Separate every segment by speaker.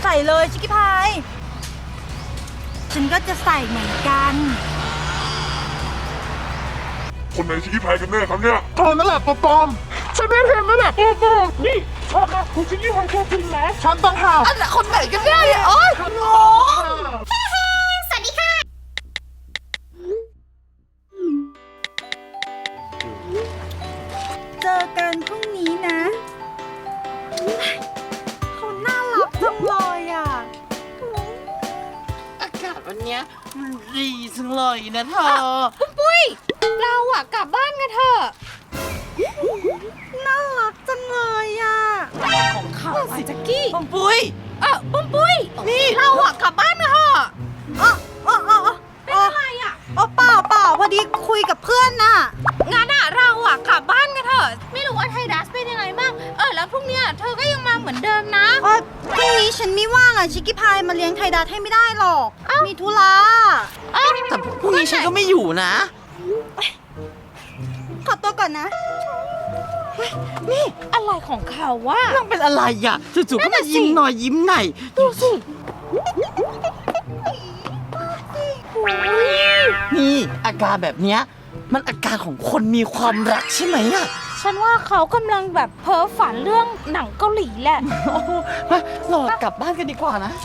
Speaker 1: ส่เลยชิคกี้พายฉันก็จะใส่เหมือนกัน
Speaker 2: คนไหนชิคกี้พายกันแน่ครับเนี่ย
Speaker 3: เธอนั่นแหละตัวปลอมฉันไม่เห็นนั่นแหละตัวปลอมนี่ชอบนะคุณชิคกี้พายตัวจริงนะฉันต้องหา
Speaker 1: อันไหนคนไหนกันแน่เนี่ยโอ๊ยงง
Speaker 4: สวัสดีค่ะ
Speaker 1: เจอกันพรุ่งนี้นะเขาน่ารักจังเลยอ่ะ
Speaker 5: อากาศวันเนี้ยมันดีจังเลยนะเธอ
Speaker 4: ปุ้ย เราอะกลับบ้านกันเถอะ
Speaker 1: น่ารักจังเลยอ่ะ
Speaker 5: ของเขาสิจักกี้ปมปุ้ย
Speaker 4: ปุ้มปุ้ย
Speaker 5: นี่
Speaker 4: เราอะกลับบ้านกันเถอะ
Speaker 1: เป็นอะไรอ่ะเปล่าพอดีคุยกับเพื่อนน่ะ
Speaker 4: งั้นอะเราอะกลับบ้านกันเถอะ ไม่รู้ว่าไทดัสเป็นยังไงบ้าง แล้วพรุ่งเนี้ยเธอก็ยังมาเหมือนเดิมนะ
Speaker 1: พรุ่งนี้ฉันไม่ว่างอ่ะชิคกี้พายมาเลี้ยงไทยดัสให้ไม่ได้หรอก มีธุระ
Speaker 5: แต่พรุ่งนี้ฉันก็ไม่อยู่นะ
Speaker 1: ขอตัวก่อนนะ
Speaker 4: นี่อะไรของเขาวะ
Speaker 5: นั่งเป็นอะไรอ่ะจู่ๆก็มายิ้มหน่อยยิ้มไหนดูสินี่อาการแบบเนี้ยมันอาการของคนมีความรักใช่ไหมอ่ะ
Speaker 4: ฉันว่าเขากำลังแบบเพ้อฝันเรื่องหนังเกาหลีแหละ
Speaker 5: โอ้โหมารอกลับบ้านกันดีกว่านะ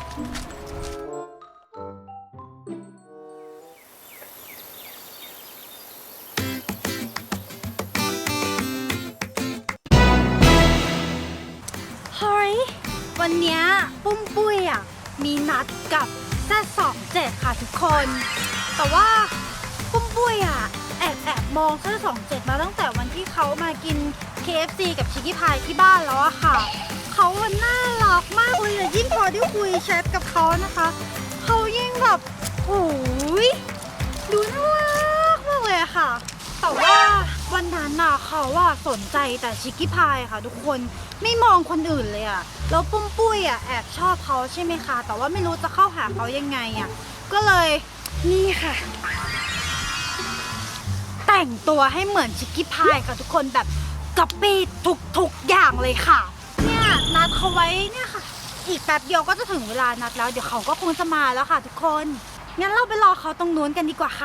Speaker 1: เฮ้ย วันเนี้ยปุ้มปุ้ยอ่ะมีนัดกับZ27ค่ะทุกคน แต่ว่าปุ้มปุ้ยอ่ะแอบมองZ27มาตั้งแต่วันที่เขามากิน KFC กับชิคกี้พายที่บ้านแล้วอะค่ะ เขาน่ารักมากเลยอะยิ่งพอได้คุยแชทกับเขานะคะเขายิ่งแบบโอ้ยดูน่ารักมากเลยอะค่ะ แต่ว่าวันนั้นน่ะเขาว่าสนใจแต่ชิคกี้พายค่ะทุกคนไม่มองคนอื่นเลยอะแล้วปุ้มปุ้ยอะแอบชอบเขาใช่ไหมคะแต่ว่าไม่รู้จะเข้าหาเขายังไงอะก็เลยนี่ค่ะ แต่งตัวให้เหมือนชิคกี้พายค่ะทุกคนแบบก๊อปปี้ทุกอย่างเลยค่ะเนี่ยนัดเขาไว้เนี่ยค่ะ อีกแป๊บเดียวก็จะถึงเวลานัดแล้วเดี๋ยวเขาก็คงจะมาแล้วค่ะทุกคนงั้นเราไปรอเขาตรงนู้นกันดีกว่าค่ะ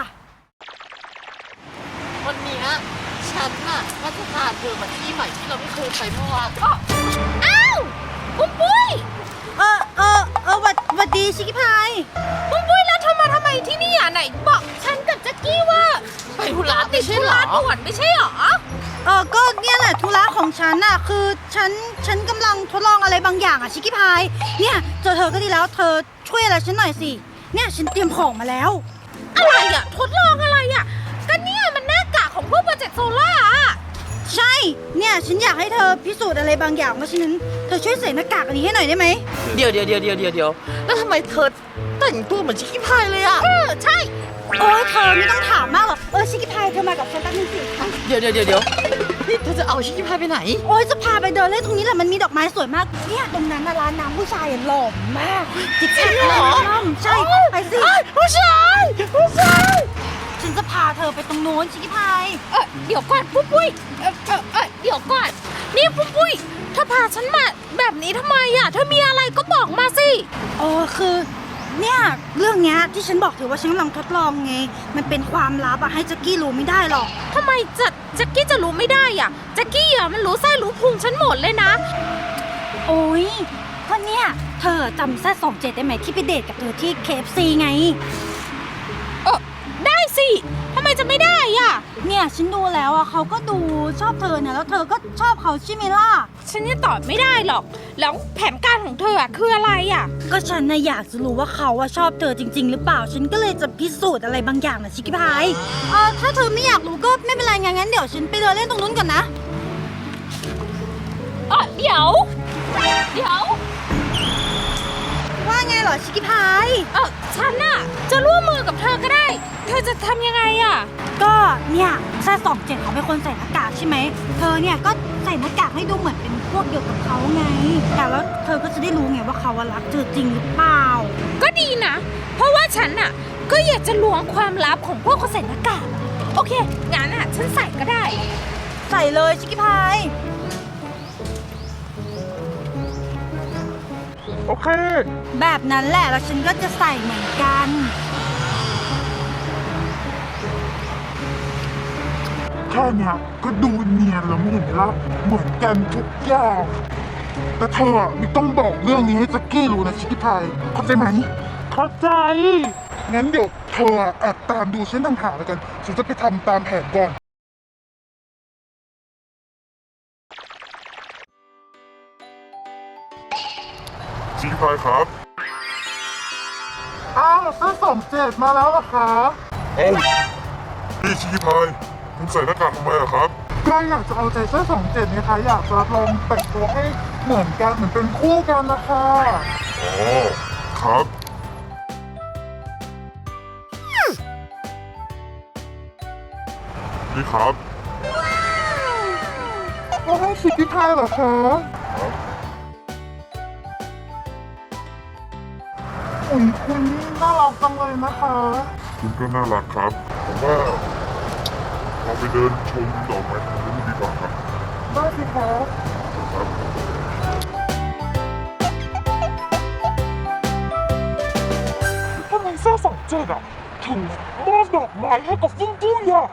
Speaker 5: วันเนี้ยฉันน่ะก็จะพาเธอมาที่ใหม่ที่เราไม่เคยไปเมื่อวาน
Speaker 4: อ้าวปุ้มปุ้ย
Speaker 1: หวัดดีชิคกี้พาย
Speaker 4: ปุ้มปุ้ยแล้วเธอมาทำไมที่นี่อ่ะไหนบอกฉันกับแจ็คกี้ว่า
Speaker 5: ไปธุระไม่ใช่
Speaker 4: ธุ
Speaker 5: เหร
Speaker 4: ระ
Speaker 5: อ
Speaker 4: ด่วนไม่ใช่หรอ
Speaker 1: ก็เนี่ยแหละธุระของฉันน่ะคือฉันกำลังทดลองอะไรบางอย่างอ่ะชิคกี้พายเนี่ยเจอเธอก็ดีแล้วเธอช่วยอะไรฉันหน่อยสิเนี่ยฉันเตรียมของมาแล้ว
Speaker 4: อะไรอ่ะทดลองอะไรอ่ะก็เนี่ยมันหน้ากากของพวกโปรเจกต์โซล่าอ่ะ
Speaker 1: ใช่เนี่ยฉันอยากให้เธอพิสูจน์อะไรบางอย่างเพราะฉะนั้นเธอช่วยใส่หน้ากากอันนี้ให้หน่อยได้ไหม
Speaker 5: เดี๋ยวแล้วทำไมเธอแต่งตัวเหมือนชิคกี้พายเลยอ่ะ
Speaker 4: ใช่
Speaker 1: โอ้ยเธอไม่ต้องถามมากหรอกชิคกี้พายเธอมากับฉันแป๊บนึงสิ
Speaker 5: เดี๋ยวนี่เธอจะเอาชิคกี้พายไปไหน
Speaker 1: โอ้ยจะพาไปเดินเล่นตรงนี้แหละมันมีดอกไม้สวยมากเนี่ยตรงนั้นน่ะร้านน้ำผู้ชายหล่อมากจิ๊กจิ๊กหล่อใช่ไปสิ
Speaker 5: ผู้ชาย
Speaker 1: ฉันจะพาเธอไปตรงโน้นชิคกี้พาย
Speaker 4: เดี๋ยวก่อนปุ้มปุ้ยเดี๋ยวก่อนนี่ปุ้มปุ้ยเธอพาฉันมาแบบนี้ทำไมอ่ะเธอมีอะไรก็บอกมาสิ
Speaker 1: คือเนี่ยเรื่องเนี้ยที่ฉันบอกเธอว่าฉันกำลังทดลองไงมันเป็นความลับอะให้แจ็คกี้รู้ไม่ได้หรอก
Speaker 4: ทำไมแจ็คกี้จะรู้ไม่ได้อ่ะแจ็คกี้อ่ะมันรู้ไส้รู้พุงฉันหมดเลยนะ
Speaker 1: โอ้ยก็เนี่ยเธอจำZ27ได้ไหมที่ไปเดทกับเธอที่ KFC ไง
Speaker 4: ได้สิทำไมจะไม่ได้อ่ะ
Speaker 1: เนี่ยฉันดูแล้วอะเขาก็ดูชอบเธอเนี่ยแล้วเธอก็ชอบเขาใช่ไหมล่ะ
Speaker 4: ฉันจะตอบไม่ได้หรอก แล้วแผนการของเธออ่ะคืออะไรอ่ะ
Speaker 1: ก็ฉันน่ะอยากจะรู้ว่าเขาอะชอบเธอจริง ๆ หรือเปล่า ฉันก็เลยจะพิสูจน์อะไรบางอย่างนะชิคกี้พายถ้าเธอไม่อยากรู้ก็ไม่เป็นไรงั้นเดี๋ยวฉันไปเดินเล่นตรงนู้นก่อนนะ
Speaker 4: เดี๋ยว
Speaker 1: ว่าไงเหรอชิคกี้พาย
Speaker 4: ฉันน่ะจะร่วมมือกับเธอก็ได้ เธอจะทำยังไงอ่ะ
Speaker 1: ก็เนี่ยZ27เขาเป็นคนใส่หน้ากากใช่ไหมเธอเนี่ยก็ใส่หน้ากากให้ดูเหมือนเป็นพวกเดียวกับเขาไง แต่แล้วเธอก็จะได้รู้ไงว่าเขาอะรักเธอจริงหรือเปล่า
Speaker 4: ก็ดีนะ เพราะว่าฉันน่ะก็อยากจะล้วงความลับของพวกคนใส่หน้ากาก โอเค งั้นอ่ะฉันใส่ก็ได้
Speaker 1: ใส่เลยชิคกี้พาย
Speaker 3: โอเค
Speaker 1: แบบนั้นแหละแล้วฉันก็จะใส่เหมือนกัน
Speaker 3: แค่เนี้ยก็ดูเนียนแล้วมึงเห็นไหมล่ะเหมือนกันทุกอย่างแต่เธอไม่ต้องบอกเรื่องนี้ให้แจ็คกี้รู้นะชิคกี้พายเข้าใจไหมเข้าใจงั้นเดี๋ยวเธอแอบตามดูเส้นทางหาแล้วกันฉันจะไปทำตามแผนก่อน
Speaker 2: ชิคกี้พายครับ
Speaker 3: อ้าวเส้น27มาแล้วเหรอคะ
Speaker 2: เอ้านี่ชิคกี้พายคุณใส่หน้ากากทำไมอะครับ
Speaker 3: ก็อยากจะเอาใจเส้น27นะคะอยากจะลองแต่งตัวให้เหมือนกันเหมือนเป็นคู่กันนะคะ
Speaker 2: อ๋อ ครับ นี่ครับ
Speaker 3: ก็ให้ชิคกี้พายเหรอคะอุ๊ยคุณนี่น่ารักจังเลยนะคะ
Speaker 2: คุณก็น่ารักครับ ผมว่าเราไปเดินชมดอกไม้ทางนู้นดีกว่าครับ
Speaker 3: ได้สิคะ
Speaker 2: ครับ
Speaker 3: ทำไมเส้น27อ่ะถึงมอบดอกไม้ให้กับฟุ้งปุ้ยอ่ะ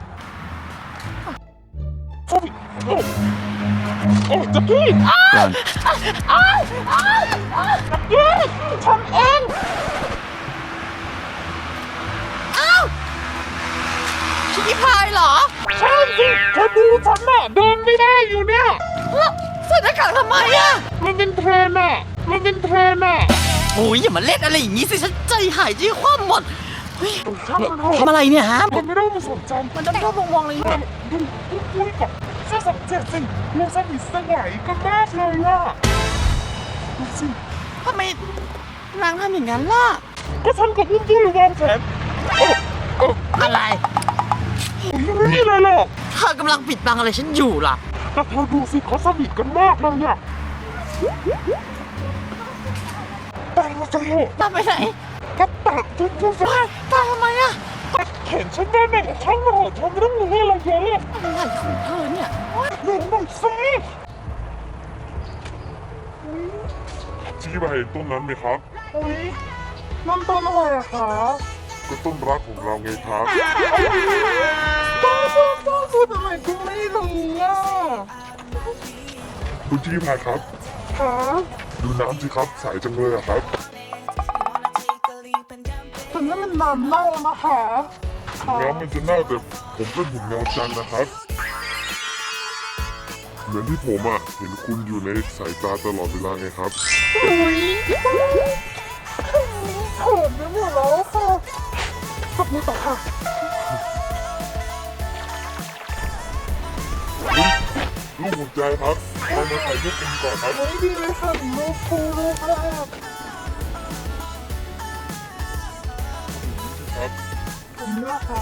Speaker 3: โอ้แจ็คกี้แจ็คกี้ฉันเอง
Speaker 5: ชิคกี้พายเหรอ
Speaker 3: ใช่สิเธอดูฉันน่ะเดินไม่ได้อยู่เนี่ย
Speaker 5: แล้วใส่หน้ากากทำไมอะ
Speaker 3: มันเป็นเทรนอ่ะมันเป็นเทรนอ่ะ
Speaker 5: โอ้ยอย่ามาเล่นอะไรอย่างนี้สิฉันใจหายใจคว่ำหมดเฮ้ย
Speaker 3: ช่างมันเถอะ
Speaker 5: ทำอะไรเนี่ยฮะ
Speaker 3: มันไม่ต้องมาสนใจ
Speaker 5: มันจะชอบมองๆเลยเนี่ย
Speaker 3: ดูปุ้ยกับเส้น27สิเราสนิทสนยกันมากเลยอ่ะดูสิ
Speaker 5: ทำไมนางทำอย่างนั้นล่ะ
Speaker 3: ก็ฉันกับปุ้ยวางแผน
Speaker 5: อะไร
Speaker 3: ไม่มีอะไรหรอก
Speaker 5: เธอกำลังปิดบังอะไรฉันอยู่ล่ะ
Speaker 3: แต่เธอดูสิเขาสนิทกันมากเลยอ่ะแต่เราจะเหอะ
Speaker 5: ตามไปไหน
Speaker 3: ก็แตะปุ้ย
Speaker 5: ตามทำไมอะ
Speaker 3: เห็นฉันได้ไหมช่างมันเถอะเธอไม่ต้องรู้อะไรเยอะ
Speaker 5: อะไรของเธอเนี่ย
Speaker 3: เร็วหน่อยสิ
Speaker 2: ชิคกี้พายเห็นต้นนั้นไหมครับ
Speaker 3: อุ๊ยนั่นต้นอะไรอะคะ
Speaker 2: ก็ต้นรักของเราไงครับ
Speaker 3: ต้นพูดอะไรก็ไม่รู้อ่ะ
Speaker 2: คุณชิคกี้พายครับ
Speaker 3: คะ
Speaker 2: ดูน้ำสิครับใสจังเลยอะครับ
Speaker 3: ถึงนั้นมันน้ำเน่านะคะคะ
Speaker 2: น้ำมันจะเน่าแต่ผมเป็นหุ่นเงาจันทร์นะครับ เหมือนที่ผมอะเห็นคุณอยู่ในสายตาตลอดเวลาไงครับ
Speaker 3: อุ๊ยเขินไปหมดแล้วค่ะขอบคุณต่อค่ะ
Speaker 2: ลูกหัวใจครับเรามาถ่ายรูปกันก่อนครับ
Speaker 3: ไม่ดีเลยค่ะโลกคูเลยค่ะ
Speaker 2: ครับ
Speaker 3: ผมนะคะ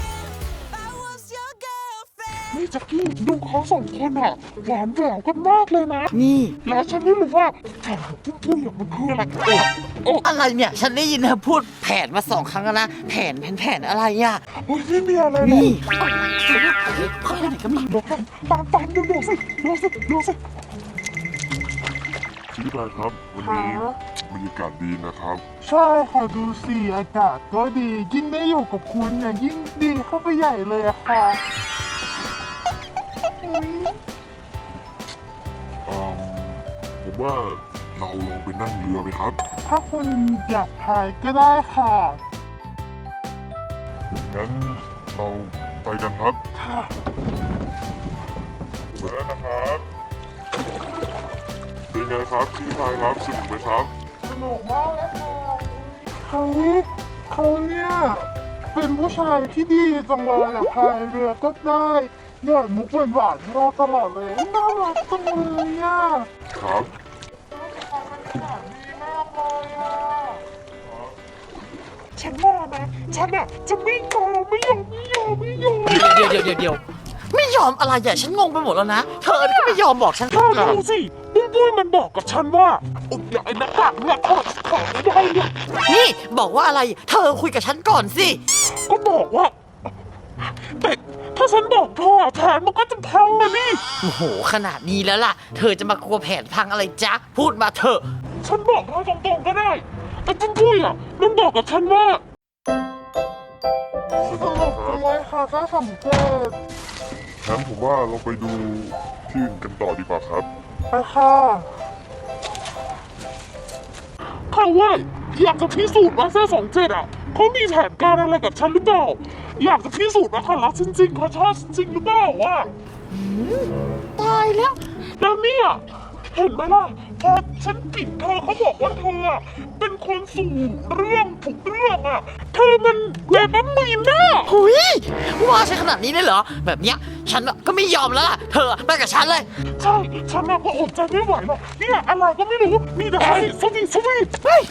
Speaker 3: นี่แจ็คกี้ดูเขาสองคนอะหวานแหววกันมากเลยนะ
Speaker 5: นี่
Speaker 3: แล้วฉันไม่รู้ว่าแผนของปุ้ยๆมันคืออะไรโอ้
Speaker 5: อะไรเนี่ย ฉันได้ยินเธอพูดแผนมา2 ครั้งแล้วนะ แผนอะไรอะ
Speaker 3: โอ้ยไม่มีอะไรหรอก
Speaker 5: นี่เข้าไปไหนก็ไมี
Speaker 3: เดี๋ยวตามดูสิดูสิ
Speaker 2: ชิคกี้พายครับ วันนี้บรรยากาศดีนะครับ
Speaker 3: ใช่ค่ะดูสิอากาศก็ดียิ่งได้อยู่กับคุณเนี่ยยิ่งดีเข้าไปใหญ่เลยอะค่ะ
Speaker 2: ผมว่าเราลองไปนั่งเรือไหมครับ
Speaker 3: ถ้าคุณอยากพายก็ได้ค่ะ
Speaker 2: งั้นเราไปกันครับ
Speaker 3: ค่ะ
Speaker 2: มาแล้วนะครับ เป็นไงครับชิคกี้พายครับสนุกไหมครับ
Speaker 3: สนุกมากเลยค่ะเขาเนี่ยเป็นผู้ชายที่ดีจังเลยอะพายเรือก็ได้หยอดมุกหวานๆให้เราตลอดเลยน่ารักจังเลยอะ
Speaker 2: ครับ
Speaker 3: ดีมากเลยอะฉันว่านะฉันอะจะไม่ยอม
Speaker 5: เดี๋ยวไม่ยอมอะไรอ่ะฉันงงไปหมดแล้วนะ เธอก็ไม่ยอมบอกฉัน
Speaker 3: เธอดูสิปุ้ยมันบอกกับฉันว่าอย่าไอ้หน้ากากเนี่ยถอดไม่ได้เนี่ย
Speaker 5: นี่บอกว่าอะไร เธอคุยกับฉันก่อนสิ
Speaker 3: ก็บอกว่าแต่ถ้าฉันบอกเธอแผนมันก็จะพังนะนี่
Speaker 5: โอ้โห ขนาดนี้แล้วล่ะ เธอจะมากลัวแผนพังอะไรจ๊ะ พูดมาเถอะ
Speaker 3: ฉันบอกเธอตรงๆก็ได้ไอ้ปุ้มปุ้ยอ่ะมันบอกกับฉันว่าสรุปเป็นไรคะถ้าสำเร็จ
Speaker 2: งั้นผมว่าเราไปดูที่อื่นกันต่อดีกว่าครับ
Speaker 3: ไปค่ะเขาว่าอยากจะพิสูจน์ว่าเส้27อ่ะเขามีแผนการอะไรกับฉันหรือเปล่าอยากจะพิสูจน์ว่าเขารักฉันจริงเขาชอบฉันจริงหรือเปล่าวะ
Speaker 4: ตายแล้ว
Speaker 3: แล้วเนี่ยเห็นไหมล่ะพอฉันปิดเธอเขาบอกว่าเธออะเป็นคนสู่เรื่องทุกเรื่องอ่ะเธอมันแบบน้ำมีนน่ะ
Speaker 5: หุยว่าใช่ขนาดนี้เลยเหรอ แบบเนี้ยฉันก็ไม่ยอมแล้วล่ะเธอไปกับฉันเลย
Speaker 3: ใช่ฉันน่ะก็อดใจไม่ไหวหรอกเนี่ยอะไรก็ไม่รู้มีแต่ให้สวีทเฮ้ย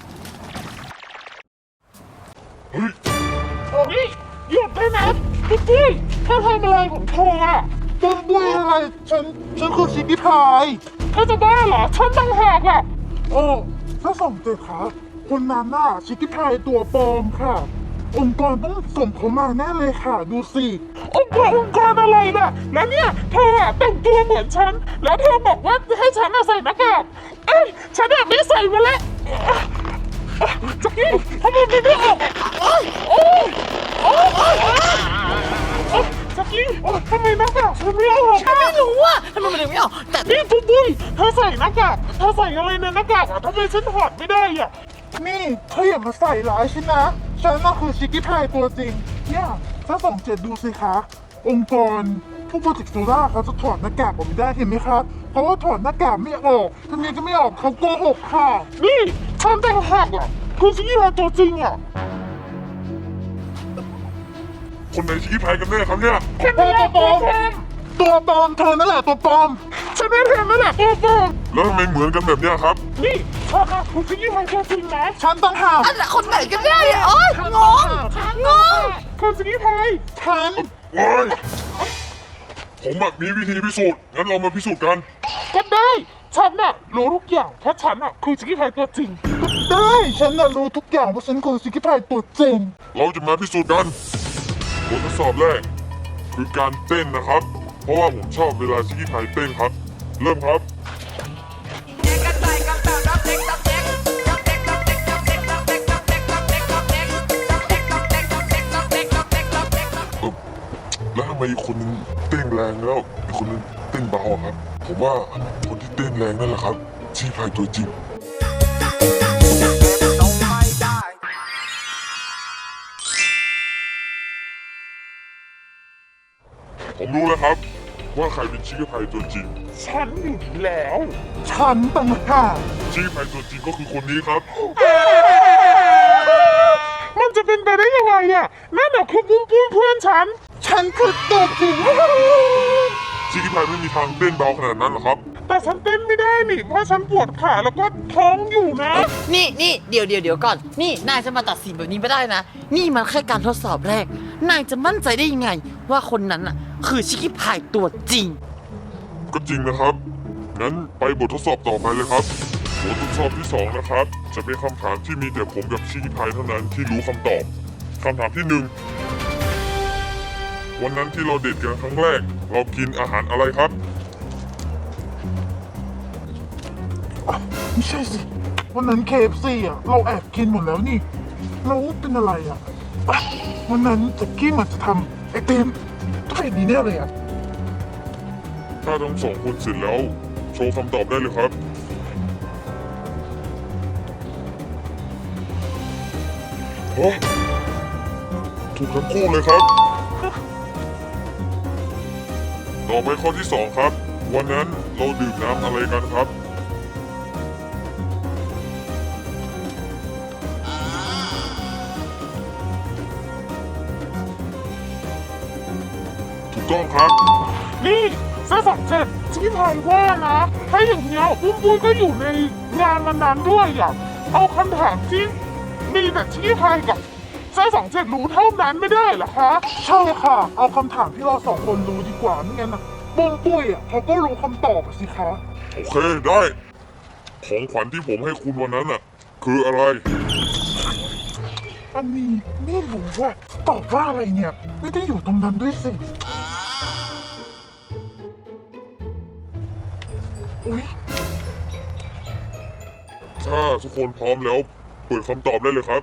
Speaker 2: เฮ้ย
Speaker 3: โอ้ยหยุดได้นะพี่จี้เธอทำอะไรของเธออ่ะปุ้มปุ้ยอะไรฉันคือชิคกี้พายเธอจะบ้าเหรอฉันต่างหากอ่ะโอ้ถ้าส่งเจอค่ะคนนั้นน่ะชิคกี้พายตัวปลอมค่ะ องค์กรต้องส่งเขามาแน่เลยค่ะดูสิองค์กรอะไรน่ะแล้วเนี่ยเธออะแต่งตัวเหมือนฉันแล้วเธอบอกว่าให้ฉันอะใส่หน้ากากเอ้ยฉันอะไม่ใส่มาแล้วจักกี้ทำไมไม่ออกโอ๊ยโอ๊ยโอ๊ยจักกี้ทำไมหน้ากากฉันไม่ออก
Speaker 5: ฉันไม่รู้ว่าทำไมมันถึงไม่ออกแต่
Speaker 3: นี่ปุ้มปุ้ยเธอใส่หน้ากากเธอใส่อะไรในหน้ากากอะทำไมฉันถอดไม่ได้อะนี่เธออย่ามาใส่ร้ายฉันนะฉันน่ะคือชิคกี้พายตัวจริงเนี่ยถ้า27ดูสิคะองค์กรผู้ผลิตโซล่าเขาจะถอดหน้ากากออกไม่ได้เห็นไหมคะเพราะว่าถอดหน้ากากไม่ออกทำไมจะไม่ออกเขาโกหกค่ะนี่ฉันแต่งหักอ่ะคือชิคกี้พายตัวจริงอ่ะ
Speaker 2: คนไหนชี้พายกันแน่ครับเนี่ย
Speaker 3: ตัวปลอมตัวปลอมเธอนั่นแหละตัวปลอมฉันไม่เธอนั่นแหละตัวปลอม
Speaker 2: แล้วทำไมเหมือนกันแบบเนี้ยครับ
Speaker 3: นี่เธอค่ะคุณชิคกี้พายตัวจริงนะฉันต้องหา
Speaker 5: อันละคนไหนกันแน่เนี่ยโอ๊ยงง
Speaker 3: คุณชิคกี้พายฉัน
Speaker 2: โอ้ยผมอะมีวิธีพิสูจน์ งั้นเรามาพิสูจน์กัน
Speaker 3: ก็ได้ฉันน่ะรู้ทุกอย่างเพราะฉันน่ะคือชิคกี้พายตัวจริงก็ได้ฉันน่ะรู้ทุกอย่างเพราะฉันคือชิคกี้พายตัวจริง
Speaker 2: เราจะมาพิสูจน์กันบททดสอบแรก คือการเต้นนะครับ เพราะว่าผมชอบเวลาชิคกี้พายเต้นครับ เริ่มครับ แล้วทำไมอีกคนนึงเต้นแรงแล้วอีกคนนึงเต้นเบาอะครับ ผมว่าคนที่เต้นแรงนั่นแหละครับชิคกี้พายตัวจริง ผมรู้แล้วครับ ว่าใครเป็นชิคกี้พายตัวจริง
Speaker 3: ฉันอยู่แล้ว ฉันต่างหาก
Speaker 2: ชิคกี้พายตัวจริงก็คือคนนี้ครับ
Speaker 3: มันจะเป็นไปได้ยังไงอ่ะนั่นน่ะคือปุ้มปุ้มเพื่อนฉันคือตัวจริง
Speaker 2: ชิคกี้พายไม่มีทางเต้นเบาขนาดนั้นหรอกครับ
Speaker 3: แต่ฉันเต้นไม่ได้นี่เพราะฉันปวดขาแล้วก็ท้องอยู่นะ
Speaker 5: นี่เดี๋ยวก่อน นี่นายจะมาตัดสินแบบนี้ไม่ได้นะ นี่มันแค่การทดสอบแรก นายจะมั่นใจได้ยังไง ว่าคนนั้นน่ะคือชิคกี้พายตัวจริง
Speaker 2: ก็จริงนะครับ งั้นไปบททดสอบต่อไปเลยครับ บททดสอบที่ 2 นะครับ จะเป็นคำถามที่มีแต่ผมกับชิคกี้พายเท่านั้นที่รู้คำตอบ คำถามที่ 1 วันนั้นที่เราเดทกันครั้งแรก เรากินอาหารอะไรครับ
Speaker 3: ไม่ใช่สิวันนั้น KFC อ่ะเราแอบกินหมดแล้วนี่เราเป็นอะไรอ่ะวันนั้นแจ็คกี้มันจะทำไอเต็มต้องเป็นดีแน่เลยอ่ะ
Speaker 2: ถ้าทั้งสองคนเสร็จแล้ว โชว์คำตอบได้เลยครับโอ้ถูกทั้งคู่เลยครับ ต่อไปข้อที่ 2 ครับ วันนั้นเราดื่มน้ำอะไรกันครับ ถูกต้องครับ
Speaker 3: นี่ซะ27ที่พายว่านะถ้าอย่างเงี้ยปุ้มปุ้ยก็อยู่ในงานวันนั้นด้วยอ่ะเอาคำถามที่มีแต่ที่พายกับซะ27รู้เท่านั้นไม่ได้เหรอคะใช่ค่ะ เอาคำถามที่เรา2คนรู้ดีกว่าไม่งั้นนะปุ้มปุ้ยอ่ะเขาก็รู้คำตอบสิคะ
Speaker 2: โอเคได้ ของขวัญที่ผมให้คุณวันนั้นน่ะ คืออะไร
Speaker 3: อันนี้ไม่รู้ว่าตอบว่าอะไรเนี่ยไม่ได้อยู่ตรงนั้นด้วยสิอุ๊ย
Speaker 2: ถ้าทุกคนพร้อมแล้วเปิดคำตอบได้เลยครับ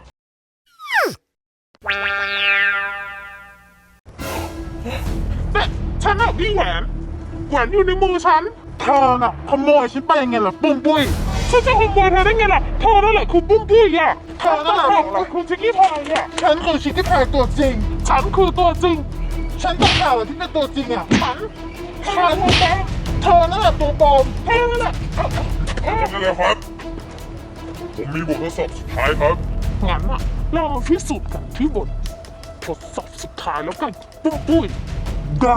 Speaker 3: แต่ฉันอะพี่แหวนอยู่ในมือฉันเธอน่ะขโมยฉันไปยังไงล่ะปุ้มปุ้ยฉันจะขโมยเธอได้ไงล่ะเธอนั่นแหละคือปุ้มปุ้ยอ่ะเธอนั่นแหละคือชิคกี้พายอ่ะฉันคือชิคกี้พายตัวจริง ฉันคือตัวจริง ฉันต้องข่าวที่เป็นตัวจริงอ่ะฉันเธอนั่นแหละตัวปลอมเธอนั่นแหละ
Speaker 2: ทำได้แล้วครับ ผมมีบททดสอบสุดท้ายครับ
Speaker 3: งั้นอะเรามาพิสูจน์กันที่บททดสอบสุดท้ายแล้วกันปุ้มปุ้ยได้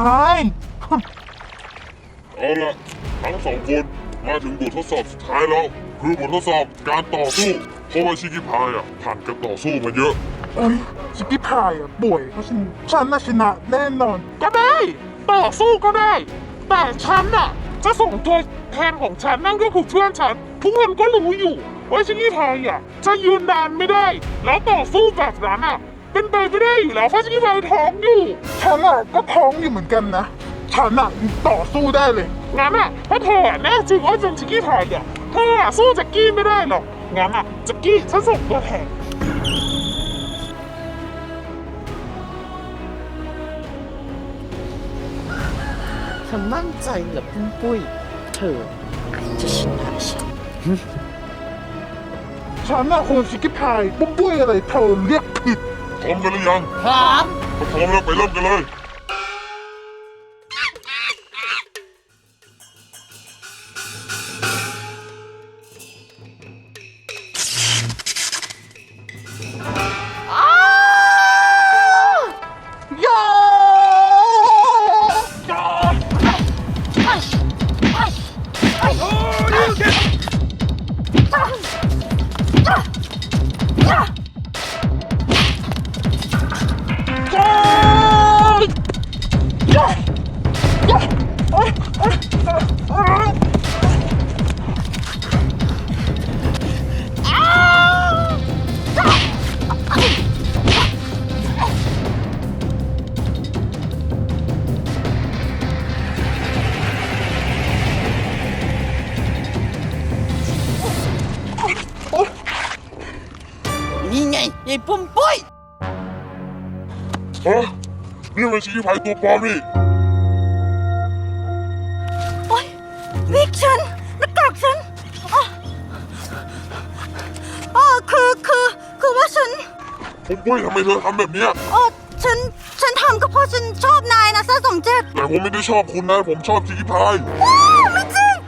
Speaker 2: เอาล่ะทั้งสองคนมาถึงบททดสอบสุดท้ายแล้ว คือบททดสอบการต่อสู้ เพราะว่าชิคกี้พายผ่านการต่อสู้มาเยอะ
Speaker 3: เอ้ยชิคกี้พายอะป่วยเพราะฉันน่ะชนะแน่นอน ก็ได้ต่อสู้ก็ได้ แต่ฉันอะจะส่งตัวแทนของฉันนั่นก็คือเพื่อนฉัน ทุกคนก็รู้อยู่ว่าชิคกี้พายอะจะยืนนานไม่ได้ แล้วต่อสู้แบบนั้นอะเป็นไปไม่ได้อยู่แล้วเพราะชิคกี้พายท้องอยู่ฉันอะก็ท้องอยู่เหมือนกันนะฉันอะต่อสู้ได้เลยงั้นอะถ้าเธอแน่จริงว่าเป็นชิคกี้พายอะเธออะสู้แจ็คกี้ไม่ได้หรอกงั้นอะแจ็คกี้ฉันส่งตัวแทน
Speaker 5: เธอมั่นใจเหรอปุ้มปุ้ย เธออาจจะชนะฉัน
Speaker 3: ฉันน่ะคนชิคกี้พายปุ้มปุ้ยอะไรเธอเรียกผิด
Speaker 2: พร้อมกันหรือยัง
Speaker 5: พร้อม
Speaker 2: ถ้าพร้อมแล้วไปเริ่มกันเลย
Speaker 3: โย
Speaker 5: นี่ไงยายปุ้มปุ้ย
Speaker 2: ฮะ นี่เป็นชิคกี้พายตัวปลอมนี่
Speaker 1: โอ๊ยวิกฉันหน้ากากฉันอ๋อคือว่าฉัน
Speaker 2: ผมปุ้ยทำไมเธอทำแบบเนี้ย
Speaker 1: ฉันทำก็เพราะฉันชอบนายนะซ่า2 7
Speaker 2: แต่ผมไม่ได้ชอบคุณนะ ผมชอบชิคกี้พาย
Speaker 1: ไม่จริง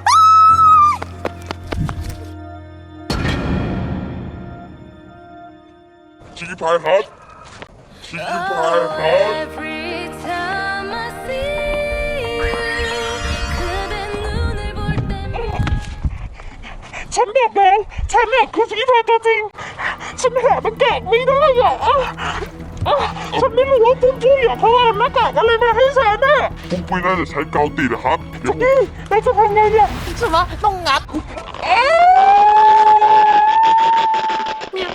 Speaker 2: ชิคกี้พายครับ ชิคกี้พายครับ
Speaker 4: Every time I see you 그대 눈을 볼 때면
Speaker 3: ฉันบอกแล้วฉันน่ะคือชิคกี้พายตัวจริง ฉันหาหน้ากากไม่ได้อ่ะฉันไม่รู้ว่าปุ้มปุ้ยอ่ะเขาเอาหน้ากากอะไรมาให้ฉันน่ะ
Speaker 2: ผมปุ้ยน่าจะใช้กาวติดนะครับ เดี๋ยวผม
Speaker 3: นี่เราจะทำไงเนี่ย
Speaker 5: ใช่ไหมต้องงัด
Speaker 3: เอ้ย